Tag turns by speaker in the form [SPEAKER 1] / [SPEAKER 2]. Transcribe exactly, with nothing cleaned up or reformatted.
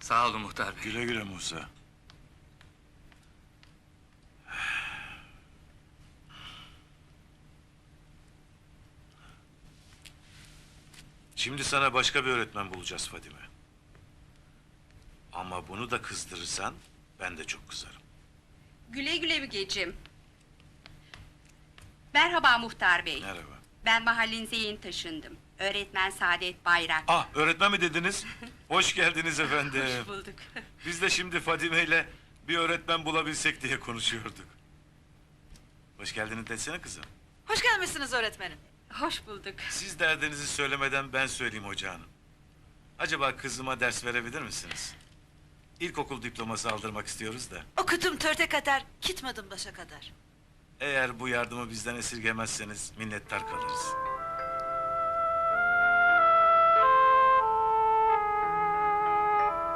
[SPEAKER 1] Sağ olun muhtar bey.
[SPEAKER 2] Güle güle Musa. Şimdi sana başka bir öğretmen bulacağız Fadime. Ama bunu da kızdırırsan ben de çok kızarım.
[SPEAKER 3] Güle güle Mügeciğim. Merhaba muhtar bey.
[SPEAKER 2] Merhaba.
[SPEAKER 3] Ben mahallenize yeni taşındım. Öğretmen Saadet Bayrak.
[SPEAKER 2] Ah, öğretmen mi dediniz? Hoş geldiniz efendim.
[SPEAKER 3] Hoş bulduk.
[SPEAKER 2] Biz de şimdi Fadime ile bir öğretmen bulabilsek diye konuşuyorduk. Hoş geldiniz desene kızım.
[SPEAKER 4] Hoş gelmişsiniz öğretmenim.
[SPEAKER 3] Hoş bulduk.
[SPEAKER 2] Siz derdinizi söylemeden ben söyleyeyim hoca hanım. Acaba kızıma ders verebilir misiniz? İlkokul diploması aldırmak istiyoruz da.
[SPEAKER 4] Okudum törte kadar, gitmedim başa kadar.
[SPEAKER 2] Eğer bu yardımı bizden esirgemezseniz minnettar kalırız.